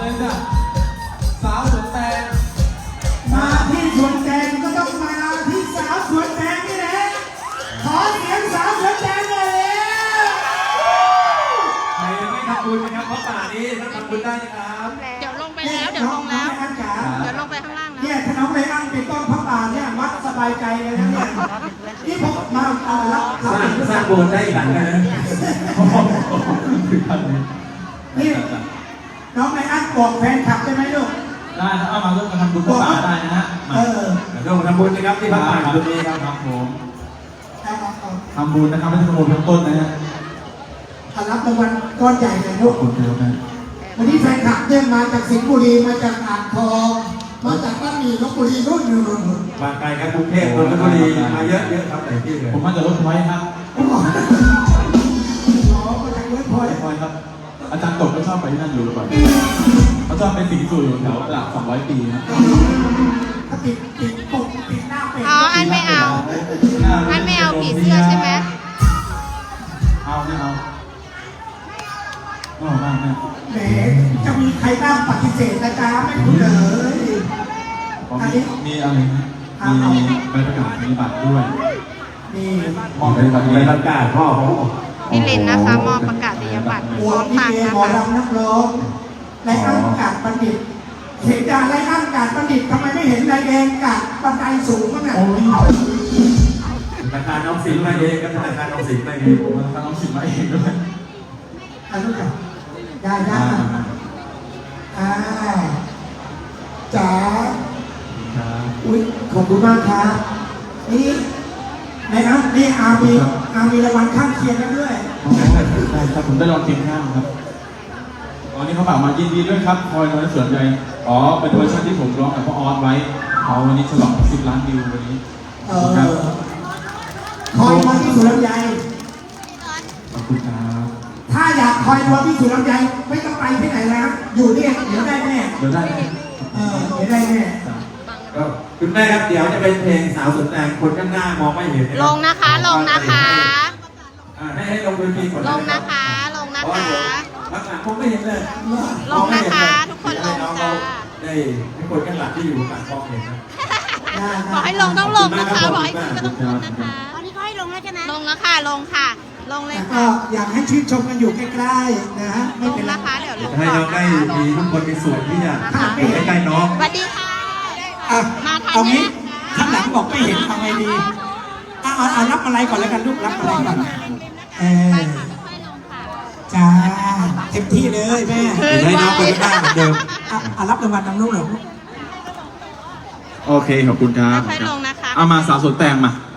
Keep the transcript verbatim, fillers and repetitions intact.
เลยจ้ะสาวสวนแตงมาที่สวนแตงก็ต้องมาที่สาวสวนแตงนี่แหละขอเสียงสาวสวนแตงหน่อยเลยใครยังไม่ทำบุญนะครับเพราะป่านี้ถ้าทำบุญได้นะครับเดี๋ยวลงไปแล้วเดี๋ยวลงแล้วเดี๋ยวลงไปข้างล่างนะเนี่ยถ้าน้องไรอันเป็นต้นพระป่าเนี่ยวัดสบายใจเลยนะเนี่ยนี่ผมมาเอาละสร้างสร้างโบสถ์ได้อีกหลังนะนี่น้องไรอันบอกแฟนคลับใช่ไหมลูกได้ถ้าเอามาร่วมกันทำบุญพระป่าได้นะฮะเออร่วมทำบุญนะครับที่พระป่าตรงนี้ครับครับผมทำบุญนะครับไม่ใช่ขโมยเริ่มต้นนะฮะรับรางวัลก้อนใหญ่เลยลูกขอบคุณครับวันนี้แฟนคลับเนี่ยมาจากสิงห์บุรีมาจากอ่างทองมาจากบ้านหมี่ลพบุรีรุ่นหนึ่งรุ่นมาไกลครับกรุงเทพนนทบุรีมาเยอะเยอะครับแต่ที่เลยผมมาจากรถไฟครับอ๋อมาจากเวิร์ดพอยต์รถไฟครับอาจารย์ตกก็ชอบไปที่นั่นอยู่หรือเปล่าเขาชอบเป็นสิงห์สู่แถวตลาดสองร้อยปีครับถ้าติดติดปกติดหน้าเป็ดอ๋ออันไม่เอาอันไม่เอาผีเสื้อใช่ไหมเอาไม่เอาไม่เอาไม่ไม่แหมจะมีใครบ้างปฏิเสธนะจ๊ะไม่คุณเลยอันนี้มีอะไรนะมีใบประกาศมีบัตรด้วยนี่มอบใบประกาศใบประกาศพ่อเขาพี่ลินนะคะมอบประกาศนียบัตรพหัวร้อมพี่ตังเกค์นะหมอคะลำนักร้องไรอันกาดบัณฑิตเห็นจ่าไรอันกาดบัณฑิตทำไมไม่เห็นนายแดงกาดบันไดสูงมั้งอ่ะธนาคารน้องสิงห์มาเองครับธนาคารน้องสิงห์มาเองผมมาทำน้องสิบมาเองด้วยอันนู้นค่ะได้ได้อ่าจ๋าอุ้ยขอบคุณมากครับนี่นะครับนี่อามีอามีรางวัลข้างเคียงกันด้วยได้ครับผมได้ลองกินข้าวครับตอนนี้เขาฝากมายินดีด้วยครับคอยน้อยสวนใจอ๋อเป็นเวอร์ชันที่ผมร้องกับพ่อออสไว้เขาวันนี้ฉลองสิบล้านวิววันนี้เออคอยวันที่สุรำไยขอบคุณครับถ้าอยากคอยวันที่สุรำไยไม่ต้องไปที่ไหนแล้วอยู่นี่เดี๋ยวได้แน่เดี๋ยวได้ไหมเออเดี๋ยวได้แน่ก็คุณแม่ครับเดี๋ยวจะเป็นเพลงสาวสวนแตงคนข้างหน้ามองไม่เห็นลงนะคะลงนะคะให้ให้ลงดนตรีก่อนลงนะคะลงนะคะลักษณะคงไม่เห็นเลยลงนะคะทุกคนลงจ้าได้ให้คนข้างหลังที่อยู่หลังกล้องเห็นนะบอกให้ลงต้องลงนะคะบอกให้ขึ้นก็ต้องขึ้นนะคะตอนนี้เขาให้ลงแล้วใช่ไหมลงแล้วค่ะลงค่ะ ลงเลยแต่ก็ค่ะอยากให้ชื่นชมกันอยู่ใกล้ๆนะฮะลไม่งเป็นไรนะคะเดี๋ยวลงให้ก่อน้อน งได้นะคะมีทุกคนมีส่วนที่จะอยู่ใกล้ๆน้องสวัสดีค่ะอ่ะมาทันเอางี้นะข้างหลังบอกไม่เห็นทำไงดีอ่ะเอาเอารับอะไรก่อนแล้วกันลูกรับอะไรก่อนเออค่อยลงค่ะจ้าเต็มที่เลยแม่ให้น้องคนข้างหน้าเหมือนเดิมอ่ะอ่ะรับรางวัลทางลูกเหรอโอเคขอบคุณครับค่อยลงนะคะเอามาสาวสวนแตงมา